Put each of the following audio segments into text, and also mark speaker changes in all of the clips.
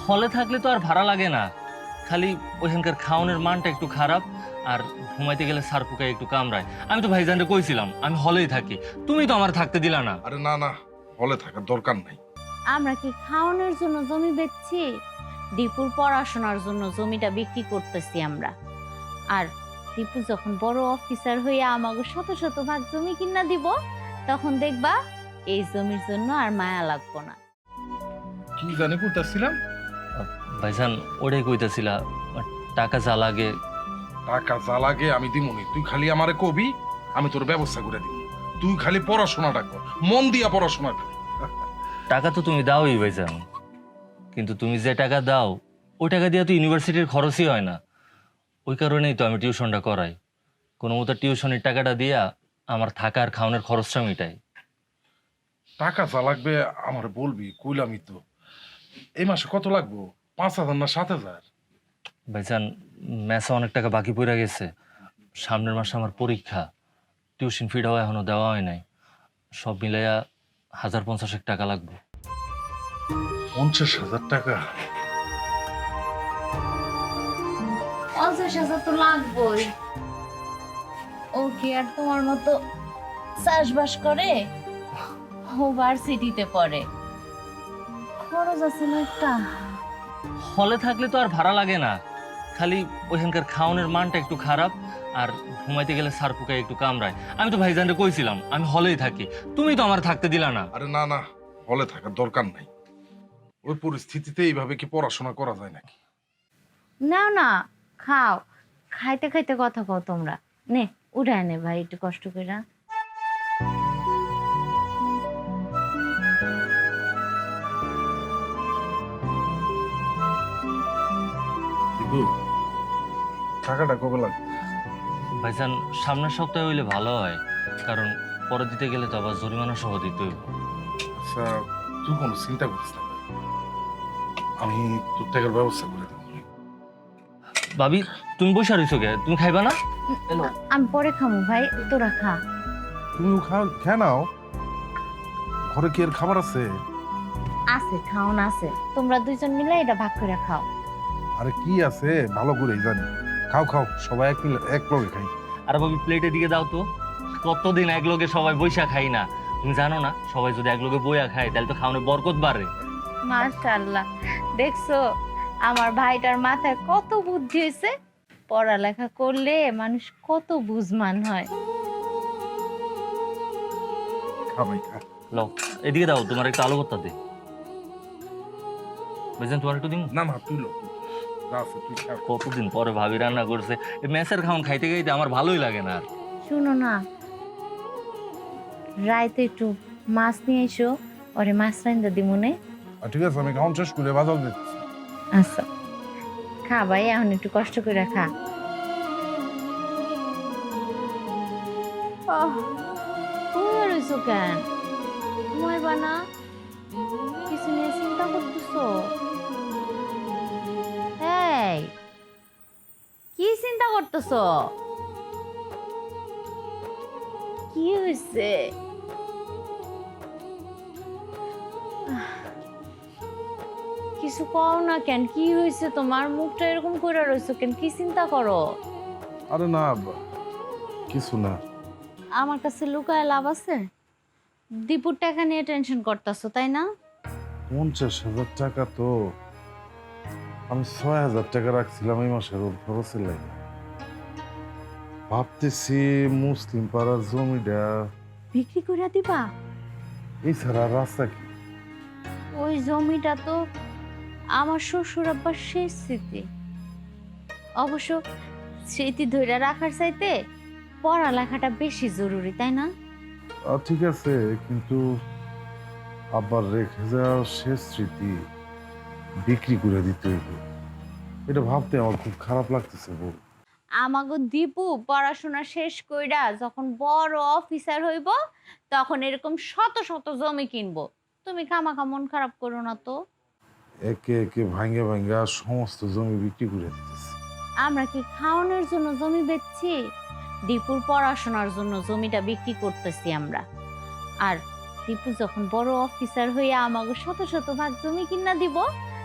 Speaker 1: হলে থাকলে তো আর ভাড়া লাগে না, খালি ওইখানকার খাওয়ানোর মানটা একটু খারাপ, আর ঘুমাইতে গেলে সারপুকায় একটু কামড়ায়। আমি তো ভাইজানরে কইছিলাম আমি হলেই থাকি, তুমি তো আমার থাকতে দিলা না।
Speaker 2: আরে না না, হলে থাকার দরকার নাই।
Speaker 3: আমরা কি খাওয়ানোর জন্য জমি বেচছি? দীপুর পড়াশোনার জন্য জমিটা বিক্রি করতেছি আমরা। আর দীপু যখন বড় অফিসার হইয়া আমাকে শত শত ভাগ জমি কিনা দিব, তখন দেখবা এই জমির জন্য আর মায়া লাগবো না।
Speaker 2: কি জানি করতেছিলাম।
Speaker 1: ভাইজান ওটাই কইতাছিলা, টাকা যা লাগে।
Speaker 2: টাকা যা লাগে আমি দিমুনি, তুই খালি আমারে কবি, আমি তোর ব্যবস্থা করে দিব। তুই খালি পড়াশোনাটা কর, মন দিয়া পড়াশোনা কর।
Speaker 1: টাকা তো তুমি দাওই ভাইজান, কিন্তু তুমি যে টাকা দাও ওই টাকা দিয়ে তো ইউনিভার্সিটির খরচই হয় না। ওই কারণেই তো আমি টিউশনটা করাই, কোনো মতো টিউশনের টাকাটা দিয়া আমার থাকা আর খাওয়ানোর খরচটা মিটাই।
Speaker 2: টাকা যা লাগবে আমার বলবি, কইলামই তো। এই মাসে কত লাগবো? 5,000 না 7,000?
Speaker 1: ভাইজান ম্যাচে অনেক টাকা বাকি পড়ে গেছে, সামনের মাসে আমার পরীক্ষা, টিউশন ফিটাও এখনো দেওয়া হয় নাই, সব মিলাইয়া 1,050 টাকা লাগবে।
Speaker 2: 50,000 টাকা?
Speaker 3: 50,000 তো লাগবেই। ও কি আর তোমার মতো চাষবাস করে? ও ভার্সিটিতে পড়ে, খরচ আছে না একটা।
Speaker 1: হলে থাকলে তো আর ভাড়া লাগে না, খালি ওইখানকার খাওয়ানোর মানটা একটু খারাপ, আর ঘুমাইতে গেলে সারপুকায় একটু কামড়ায়। আমি তো ভাইজানরে কইছিলাম আমি হলেই থাকি, তুমি তো আমার থাকতে দিলা না।
Speaker 2: আরে না না, হলে থাকার দরকার নাই। ওই পরিস্থিতিতে এইভাবে কি পড়াশোনা করা যায় নাকি?
Speaker 3: নাও না, খাও। খাইতে খাইতে কথা কও তোমরা। নে উঠায় নে ভাই একটু কষ্ট করে।
Speaker 2: দিবু, টাকাটা কবে লাগবে?
Speaker 1: ভাইজান সামনের সপ্তাহে হইলে ভালো হয়, কারণ পরে দিতে গেলে তো আবার জরিমানা সহ দিতে হইব।
Speaker 2: আচ্ছা, তুই কোনো চিন্তা করিস না ভাই। আমি তোর টাকার ব্যবস্থা করে দেবো।
Speaker 1: ভাবি তুমি বসে রইছো কে, তুমি খাইবা না? এলো।
Speaker 3: আমি পরে খামু ভাই, তোরা খা।
Speaker 2: তুমিও খেয়ে নাও, ঘরে কি আর খাবার আছে?
Speaker 3: আছে, খাওন আছে, তোমরা দুইজন মিলে এটা ভাগ করে খাও।
Speaker 2: আরে কি আছে ভালো করেই জানি। খাও খাও, সবাই এক লগে খাই।
Speaker 1: আর ভাবি প্লেটের দিকে দাও তো, কতদিন এক লগে সবাই বইসা খাই না, তুমি জানো না সবাই যদি এক লগে বইয়া খায় তাহলে তো খাওয়ানোর বরকত বাড়ে।
Speaker 3: মাশাআল্লাহ, দেখছো আমার ভাইটার মাথায় কত বুদ্ধি হয়েছে। পড়ালেখা করলে মানুষ কত বুঝমান হয়।
Speaker 2: খা ভাই খা।
Speaker 1: লও এদিকে দাও, তোমার একটু আলু ভর্তা দে। বুঝলেন তোমার একটু দিন।
Speaker 2: না না, তুই লো, যা আছে তুই খা।
Speaker 1: কতদিন পরে ভাবি রান্না করছে, এই মেসের খাওয়ান খাইতে খাইতে আমার ভালোই লাগে না আর।
Speaker 3: শুনো না, রাইতে একটু মাছ নিয়ে এসো, ওরে মাছ রান্দা দিমুনে।
Speaker 2: ঠিক আছে, আমি খাওয়ান শেষ করে বাজার দিচ্ছি।
Speaker 3: আচ্ছা খা ভাই, এখন একটু কষ্ট করে খা। তুমি রইছো কেন? ঘুমাইবা না? কিছু নিয়ে চিন্তা করতেছো? এই কি চিন্তা করতেছো? কি হয়েছে? কিছু কও না কেন? কি হয়েছে তোমার? মুখটা এরকম করে রইছো কেন? কি চিন্তা করো?
Speaker 2: আরে না, কিছু না।
Speaker 3: আমার কাছে লুকায় লাভ আছে? দীপুর টাকা নিয়ে টেনশন করতেছো তাই না?
Speaker 2: 50,000 টাকা তো আমি 6,000 টাকা রাখছিলাম এই মাসের ওর খরচের লাগে। ভাবতেছি মুসলিম পাড়ার জমিটা
Speaker 3: বিক্রি করে দিবা?
Speaker 2: এছাড়া আর রাস্তা কি?
Speaker 3: ওই জমিটা তো আমার শ্বশুর আব্বার শেষ স্মৃতি। অবশ্য স্মৃতি ধরে রাখার চাইতে পড়ালেখাটা বেশি জরুরি তাই না?
Speaker 2: ঠিক আছে, কিন্তু আবার রেখে যাওয়া শেষ স্মৃতি বিক্রি করে দিতে হইব, এটা ভাবতে আমার খুব খারাপ লাগতেছে বউ।
Speaker 3: আমাগো দীপু পড়াশোনা শেষ কইরা যখন বড় অফিসার হইব, তখন এরকম শত শত জমি কিনবো। তুমি খামাখা মন খারাপ করো না তো।
Speaker 2: একে একে ভাঙ্গে ভাঙ্গা সমস্ত জমি বিক্রি করে দিতেছে।
Speaker 3: আমরা কি খাওয়ানোর জন্য জমি বেচছি? দীপুর পড়াশোনার জন্য জমিটা বিক্রি করতেছি আমরা। আর দীপু যখন বড় অফিসার হইয়া আমাকে শত শত ভাগ জমি কিনা দিব,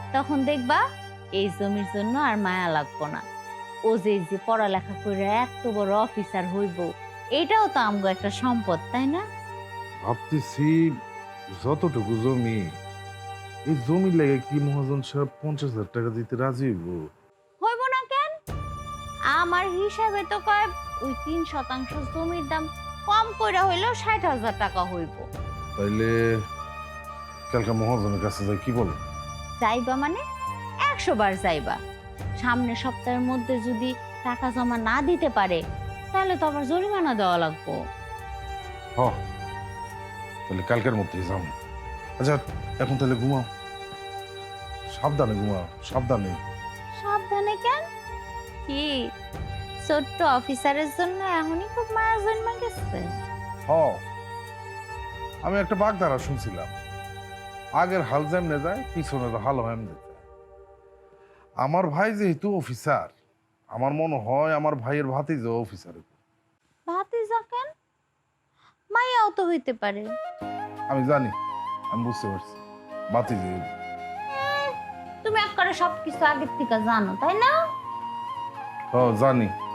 Speaker 3: তখন দেখবা এই জমির জন্য আর মায়া লাগবো না। ও যে যে পড়ালেখা করে এত বড় অফিসার হইব, এটাও তো আমগো একটা সম্পদ, তাই না?
Speaker 2: ভাবতেছি যতটুকু জমি, এই জমি লেগে কি মহাজন সাহেব 50,000 টাকা দিতে রাজি হইব?
Speaker 3: হইব না কেন? আমার হিসাবে তো কয় ওই 3% জমির দাম কম কইরা হইলেও 60,000 টাকা হইব।
Speaker 2: তাইলে কালকে মহাজনের কাছে যাই, কি বল?
Speaker 3: যাইবা মানে 100 বার যাইবা। সামনের সপ্তাহের মধ্যে যদি টাকা জমা না দিতে পারে, তাহলে তো আবার জরিমানা দেওয়া লাগবো।
Speaker 2: হ, তাহলে কালকের মধ্যেই যাও। আচ্ছা, এখন তাহলে ঘুমাও, সাবধানে ঘুমাও, সাবধানে।
Speaker 3: সাবধানে কেন? কি ছোট্ট অফিসারের জন্য এখনই খুব মায়া জন্মা গেছে?
Speaker 2: হ, আমি একটা বাগধারা শুনছিলাম, আগের হাল যেমনে যায় পিছনের হাল এমনি যায়। আমার ভাই যেহেতু অফিসার, আমার মনে হয় আমার ভাইয়ের ভাতিজা অফিসার।
Speaker 3: ভাতিজা কেন? মায়াও তো হইতে পারে।
Speaker 2: আমি জানি, আমি বুঝতে পারছি, ভাতিজা।
Speaker 3: তুমি একবারে সবকিছু আগের থেকে জানো, তাই না?
Speaker 2: হ, জানি।